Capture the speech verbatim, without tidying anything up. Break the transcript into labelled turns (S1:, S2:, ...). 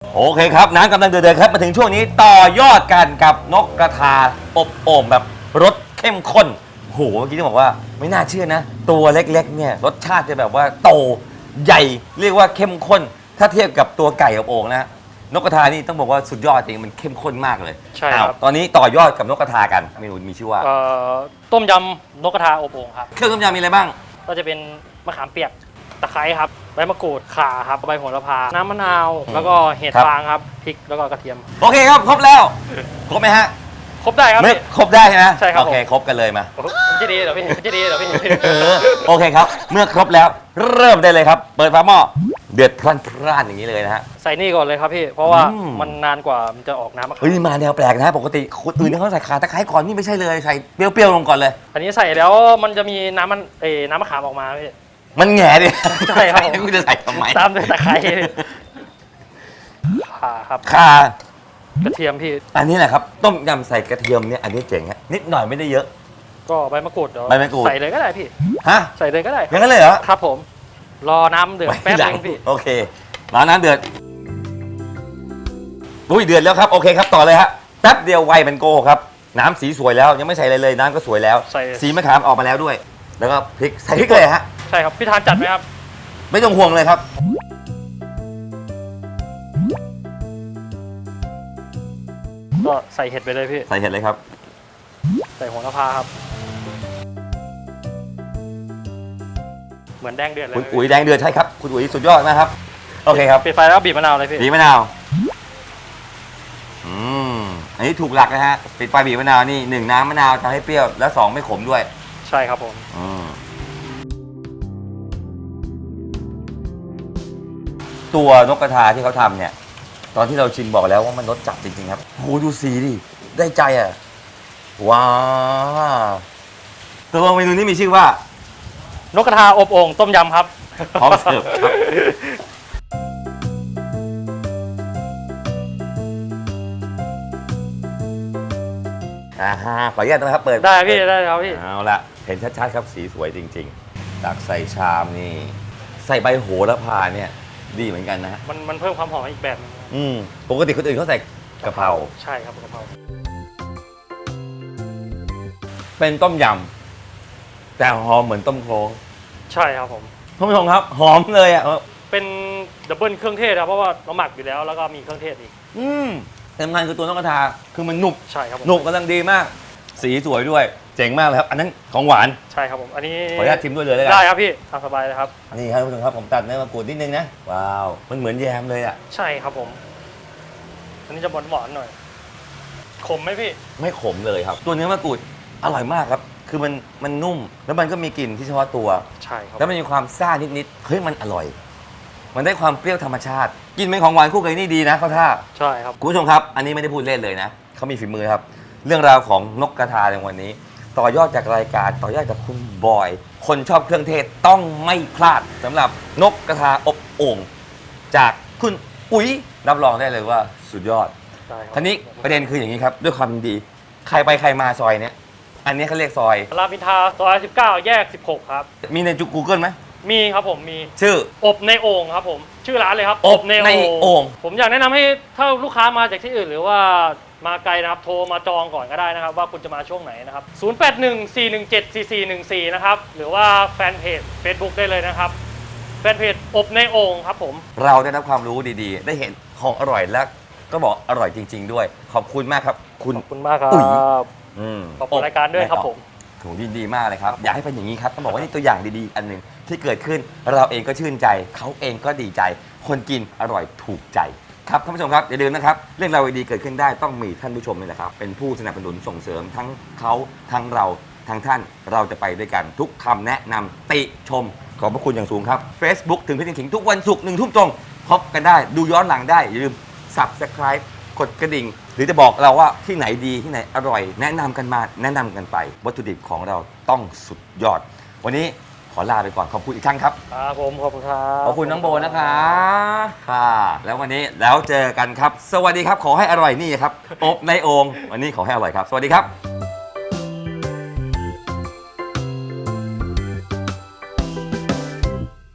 S1: โอเคครับน้ำกำลังเดือดๆครับมาถึงช่วงนี้ต่อยอดกันกับนกกระทาอบโอ่งแบบรสเข้มข้นโหเมื่อกี้ที่บอกว่าไม่น่าเชื่อนะ ตัวเล็กๆเนี่ยรสชาติจะแบบว่าโตใหญ่เรียกว่าเข้มข้น ถ้าเทียบกับตัวไก่อบโอ่งนะนกกระทานี่ต้องบอกว่าสุดยอดจริงมันเข้มข้นมากเลย
S2: ใช่ครับ
S1: ตอนนี้ต่อยอดกับนกกระทากันเมนูมีชื่อว่า
S2: เอ่อต้มยำนกกระทาอบโอ่งครับ
S1: เครื่องต้มยำมีอะไรบ้าง
S2: ก็จะเป็นมะขามเปียกตะไคร้ครับใบมะกรูดข่าครับใบโหระพาน้ำมะนาว แล้วก็เห็ด
S1: ครับ
S2: ฟางครับพริกแล้วก็กระเทียม
S1: โอเคครับครบแล้วครบไหมฮะ
S2: ครบได้ครับ
S1: ไม่
S2: พี่
S1: ครบได้ใช่ไหม
S2: ใช่ครับ
S1: โอเค
S2: ผม
S1: ครบกันเลยมา
S2: มันจะดีเหรอพี่มันจะดีเหรอพี่
S1: เออโอเคครับ เมื่อครบแล้วเริ่มได้เลยครับ เปิดฝาหม้อเดือดพล่านๆอย่างนี้เลยนะฮะ
S2: ใส่นี่ก่อนเลยครับพี่ เพราะว่า
S1: อืม
S2: มันนานกว่ามันจะออกน้ำมะขาม
S1: เฮ้ยนี่มาแนวแปลกนะปกติคนอื่นเขาใส่ขาตะไคร้ก่อนนี่ไม่ใช่เลยใส่เปรี้ยวๆลงก่อนเลย
S2: อันนี้ใส่แล้วมันจะมีน้ำมันเอ้น้ำมะขามออกมาพี่
S1: มันแหง่ดิ
S2: ใช่ครับผม
S1: คุณจะใส่ทำไม
S2: ตามด้วยตะไคร้ข่าครับ
S1: ข่าก
S2: ระเทียมพี่
S1: อันนี้แหละครับต้มยำใส่กระเทียมเนี่ยอันนี้เจ๋งฮะนิดหน่อยไม่ได้เยอะ
S2: ก็ใบมะกรูดเดี๋ยว
S1: ใบมะกรูด
S2: ใส่เลยก็ได้พี่
S1: ฮะ
S2: ใส่เลยก็ได้
S1: อย่างนั้นเลยเหรอ
S2: ครับผม รอน้ำเดือดแป๊บ
S1: ไว้หลั
S2: นึงพี่
S1: โอเครอน้ำเดือดอุ้ยเดือดแล้วครับโอเคครับต่อเลยฮะแป๊บเดียวไวมันโกครับน้ำสีสวยแล้วยังไม่ใส่อะไรเลยน้ำก็สวยแล้ว
S2: ใส่
S1: สีมะขามออกมาแล้วด้วย แล้วก็พริกใส่พริกเลยฮะ
S2: ใช่ครับพี่ทานจัดไหมครับ
S1: ไม่ต้องห่วงเลยครับ
S2: ก็ใส่เห็ดไปเลยพี่
S1: ใส่เห็ดเลยครับ
S2: ใส่โหระพาครับ เหมือนแดงเดือดเลย
S1: คุณอุ๋ยแดงเดือดใช่ครับคุณอุ๋ยสุดยอดนะครับโอเคครับ
S2: ปิดไฟแล้วก็บีบมะนาวเลยพี่
S1: บีบมะนาวอืมอันนี้ถูกหลักนะฮะปิดไฟบีบมะนาวนี่หนึ่งน้ำมะนาวทำให้เปรี้ยวและสองไม่ขมด้วย
S2: ใช่ครับผม
S1: อืมตัวนกกระทาที่เขาทำเนี่ย ตอนที่เราชิมบอกแล้วว่ามันรสจัดจริงๆครับโหดูสีดิได้ใจอ่ะว้าวตัวเมนูนี้มีชื่อว่าน
S2: กกระทาอบโอ่งต้มยำครับ
S1: พร้อมเสิร์ฟครับอ่าฮะขออนุญาตนะครับเปิด
S2: ได้พี่ได้ครับพี่
S1: เอาละเห็นชัดๆครับสีสวยจริงๆตักใส่ชามนี่ ใส่ใบโหระพาเนี่ยดีเหมือนกันนะฮะ
S2: มันมันเพิ่มความหอมอีกแบบหนึง
S1: อืมปกติคนอื่นเขาใส่กะเพรา
S2: ใช่ครับกะเพรา
S1: เป็นต้มยำแต่หอมเหมือนต้มโครง
S2: ใช่ครับผม
S1: ท่านผู้ชมครับ หอมเลยอ่ะ
S2: เป็นดับเบิลเครื่องเทศครับเพราะว่าเราหมักอยู่แล้วแล้วก็มีเครื่องเทศอีก
S1: อืมแต่สำคัญคือตัวนกกระทาคือมันหนุบ
S2: ใช่ครับผม
S1: หนุบกำลังดีมาก สีสวยด้วย เจ๋งมากเลยครับ อันนั้นของหวาน
S2: ใช่ครับผมอันนี้
S1: ขออนุญาตชิมด้วยเลยแล้วกัน
S2: ได้ครับพี่ทำสบายเลยครับ
S1: นี่ครับท่านผู้ชมครับผมตัดเนื้อมะกรูดนิดนึงนะว้าวมันเหมือนแยมเลยอ่ะ
S2: ใช่ครับผม อันนี้จะหวานหวานๆหน่อยขมไหมพี่
S1: ไม่ขมเลยครับ ตัวเนื้อมะกรูดอร่อยมากครับ คือมันมันนุ่มแล้วมันก็มีกลิ่นที่เฉพาะตัว
S2: ใช่ครับ
S1: แล้วมันมีความซ่านิดๆเฮ้ยมันอร่อย มันได้ความเปรี้ยวธรรมชาติ กินเป็นของหวานคู่กับนี่ดีนะเขาท่า
S2: ใช่ครับ
S1: คุณผู้ชมครับ อันนี้ไม่ได้พูดเล่นเลยนะเขามีฝีมือครับ เรื่องราวของนกกระทาในวันนี้ ต่อยอดจากรายการต่อยอดจากคุณบอย คนชอบเครื่องเทศต้องไม่พลาดสำหรับนกกระทาอบโอ่งจากคุณอุ๋ยรับรองได้เลยว่าสุดยอด
S2: ใช่ครับ
S1: ทีนี้ประเด็นคืออย่างนี้ครับ ด้วยความดี ใครไปใครมาซอยเนี้ยอันนี้เขาเรียกซอย
S2: รามอินทราซอยสิบเก้าแยกสิบหกครับ
S1: มีในจุกูเกิลไหม
S2: มีครับผมมี
S1: ชื่อ
S2: อบในโอ่งครับผมชื่อร้านเลยครับ
S1: อบในโอ่ง
S2: ผมอยากแนะนำให้ถ้าลูกค้ามาจากที่อื่น หรือว่ามาไกลนะครับโทรมาจองก่อนก็ได้นะครับ ว่าคุณจะมาช่วงไหนนะครับศูนย์ แปด หนึ่ง สี่ หนึ่ง เจ็ด สี่ สี่ หนึ่ง สี่นะครับหรือว่าแฟนเพจ Facebook ได้เลยนะครับแฟนเพจอบในโอ่งครับผม
S1: เราได้รับความรู้ดีๆ ได้เห็นของอร่อยและก็บอกอร่อยจริง ๆ ด้วย ขอบคุณมากครับ คุณ
S2: ขอบคุณมากครั
S1: อุ๋ย
S2: บ
S1: อืม
S2: ขอบคุณรายการด้วยครับผม
S1: ถูกดีๆมากเลยครับ อยากให้เป็นอย่างนี้ครับต้องบอกว่านี่ตัวอย่างดีๆ อันหนึ่งที่เกิดขึ้นเราเองก็ชื่นใจ เขาเองก็ดีใจ คนกินอร่อยถูกใจครับท่านผู้ชมครับอย่าลืมนะครับเรื่องราวดีๆเกิดขึ้นได้ต้องมีท่านผู้ชมนี่แหละครับเป็นผู้สนับสนุนส่งเสริมทั้งเขาทั้งเราทั้งท่านเราจะไปด้วยกันทุกคำแนะนำติชมขอบพระคุณอย่างสูงครับ Facebook ถึงพี่ถิงทุกวันศุกร์หนึ่งทุ่มตรงพบกันได้ดูย้อนหลังได้อย่าลืม Subscribe กดกระดิ่ง หรือจะบอกเราว่าที่ไหนดีที่ไหนอร่อย แนะนำกันมาแนะนำกันไป วัตถุดิบของเราต้องสุดยอด วันนี้ขอลาไปก่อนขอบคุณอีกครั้งครับ
S2: ครับผมขอบคุณครับ
S1: ขอบคุณน้องโบนะคะค่ะ แล้ววันนี้แล้วเจอกันครับ สวัสดีครับ ขอให้อร่อยนี่ครับอบในโอ่งวันนี้ขอให้อร่อยครับ สวัสดีครับ